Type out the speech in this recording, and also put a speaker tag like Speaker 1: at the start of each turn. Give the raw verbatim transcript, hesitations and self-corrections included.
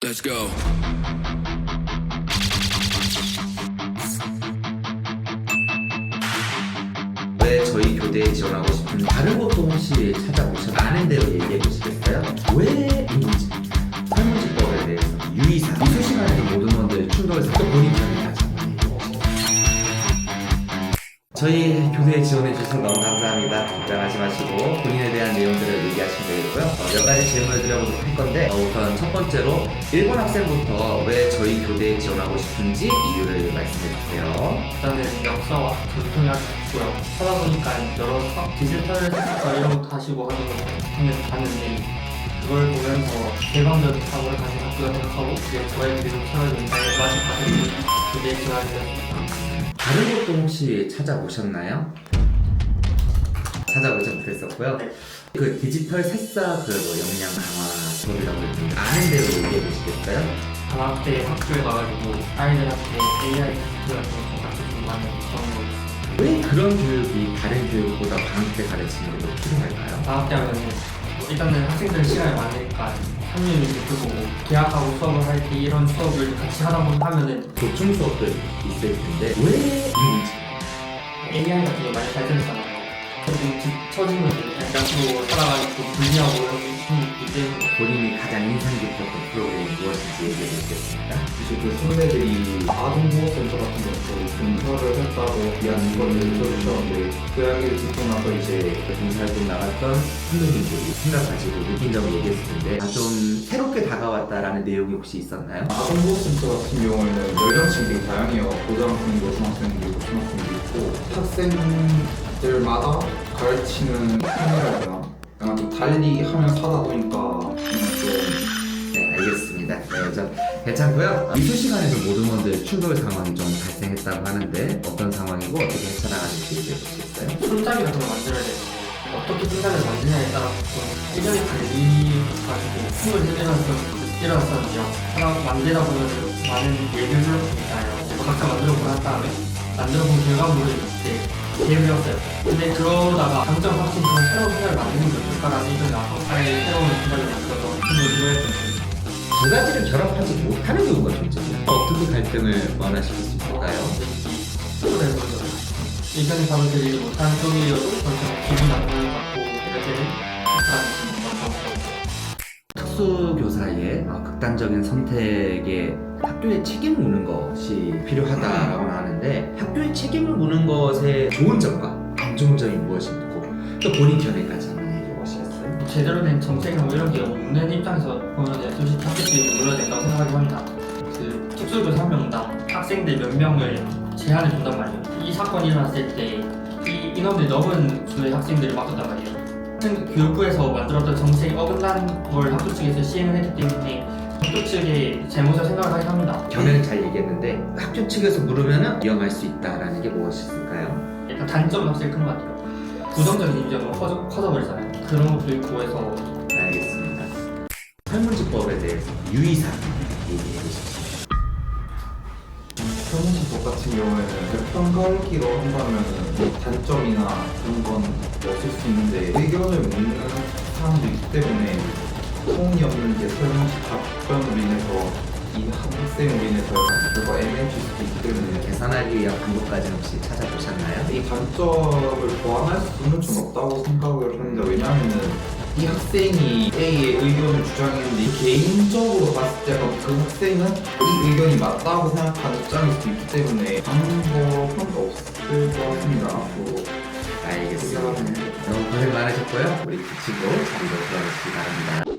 Speaker 1: Let's go.
Speaker 2: 왜 저희 교대에 지원하고 싶은지 다른 곳도 혹시 찾아보셔서 아는 대로 얘기해 보시겠어요? 왜 인지 설문지법에 대해서 유의사 이수 시간에도 모든 분들 충돌해서 또 본인 편에 가죠. 저희 교대에 지원해 주셔서 너무 감사합니다. 걱정하지 마시고 본인에 대한 내용들을 얘기하시면 되겠고요. 어, 몇 가지 질문을 드려보도록 할 건데 어, 우선 첫 번째로 일본 학생부터 왜 저희 교대에 지원하고 싶은지 이유를 말씀해 주세요.
Speaker 3: 일단은 역사와 전통이 아주 좋고요. 하다 보니까 여러 사- 디지털 섹터 이런 것도 하시고 하는 걸 하면 봤는데 그걸 보면서 개방적인 사고를 가진 학교가 생각하고 그게 저의 기회로 채워지는 마지막 과정이 그게 지원하셨습니다.
Speaker 2: 다른 것도 혹시 찾아보셨나요? 찾아보지 못했었고요.
Speaker 3: 네.
Speaker 2: 그 디지털 새싹 그뭐 역량 강화 수업이라고 했는데 아는 대로 얘기해 보시겠어요?
Speaker 3: 방학 때 학교에 가가지고 아이들한테 에이아이 테스트 같은 거 같이 좀 많이 그런 거 있어요.
Speaker 2: 왜 그런 교육이 다른 교육보다 방학 때 가르치는 게 더 필요할까요?
Speaker 3: 방학 때 하면은 일단은 학생들 시간이 많으니까 삼 년이 그거고 계약하고 수업을 할 때 이런 수업을 같이 하다 보면 하면은
Speaker 2: 보충 수업도 있을 텐데 왜 인지
Speaker 3: 에이아이 같은 거 많이 발전했잖아요. 조금 뒤처지면 약간 살아가지고 분리하고 이런 게 있기 때문에
Speaker 2: 본인이 가장 인상 깊었던 프로그램이 무엇인지 얘기해 주시겠습니까?
Speaker 4: 이제 그 선배들이 아동보호센터 같은 것도 근처를 했다고 이야기를 들으셨는데 그 이야기를 듣고 나서 이제
Speaker 2: 봉사활동 나갔던 선배님들이 생각 가지고 느낀 점을 얘기했을 텐데 아, 좀 새롭게 다가왔다라는 내용이 혹시 있었나요?
Speaker 4: 아동보호센터 같은 경우에는 연령층이 되게 다양해요. 고등학생도 중학생도 있고 중학생도 있고 학생들마다 가르치는 편이라거나 약간 좀 달리 하면서 하다 보니까 좀
Speaker 2: 네, 알겠습니다. 네, 좀 괜찮고요. 이수 시간에도 모든 분들 충돌 상황이 좀 발생했다고 하는데 어떤 상황이고 어떻게 헤쳐나가는지 얘기해 주시겠어요?
Speaker 3: 손잡이 같은 걸 만들어야 되는데 어떻게 손잡이를 만드냐에 따라서 좀 일정이 달리가지고 숨을 들이면서 일어났었는데요. 하나 만들다 보면 많은 예술을 있잖아요. 각자 만들어 보는 다음에 만들어 본 결과물을 이제 대비했어요. 근데 그러다가 강점 확신 그런 새로운 생각을 만드는 게 어떨까라는 의견이 나서 아예 새로운 생각을 만들어서 힘을 들어했던
Speaker 2: 두 가지를 결합하지 못하는 경우가 존재해요. 어떻게 갈등을 완화시킬 수 있을까요?
Speaker 3: 그래서 의견이 답을 드리지 못하는 쪽이어도 저는 기분 나쁘는 것 같고 이렇게 하는 것 같고
Speaker 2: 특수교사의 어, 극단적인 선택에 학교에 책임을 묻는 것이 필요하다라고 하는데 학교에 책임을 묻는 것의 좋은 점과 안 좋은 점이 무엇인고 또 본인 견해까지 한번 얘기해 보시겠어요?
Speaker 3: 제대로 된 정책이나 뭐 이런 게 없는 입장에서 보면 솔직히 학교들이 물러야 된다고 생각을 합니다. 그 특수교사 한 명당 학생들 몇 명을 제한을 둔단 말이에요. 이 사건이 일어났을 때 이 인원들이 넘은 수의 학생들을 맡았단 말이에요. 학생 교육부에서 만들었던 정책이 어긋난 걸 학교 측에서 시행을 했기 때문에 학교 측의 잘못을 생각을 하긴 합니다.
Speaker 2: 견해는 잘 얘기했는데 학교 측에서 물으면 위험할 수 있다라는 게 무엇일까요?
Speaker 3: 일단 단점은 확실히 큰 것 같아요. 부정적인 인정은 커져, 커져버리잖아요. 그런 것도 있고 해서
Speaker 2: 알겠습니다. 설문지법에 대해서 유의사항 얘기해 주십시오.
Speaker 4: 설문지법 같은 경우에는 평가기로 한다면 뭐 단점이나 그런 건 없을 수 있는데 의견을 묻는 사람도 있기 때문에 소음이 없는 게 설문지 답변으로 인해서 이 학생으로 인해서 결과 애매해질 수도 있기 때문에
Speaker 2: 계산하기 위한 방법까지 혹시 찾아보셨나요?
Speaker 4: 이 단점을 보완할 수는 좀 없다고 생각을 하는데 왜냐하면은 이 학생이 A의 의견을 주장했는데 개인적으로 봤을 때 그 학생은 이 의견이 맞다고 생각하는 입장일 수도 있기 때문에 방법은 없을 것 같습니다. 앞으로.
Speaker 2: 알겠습니다. 너무 고생 많으셨고요. 우리 그 친구 자리로 들어가시기 바랍니다.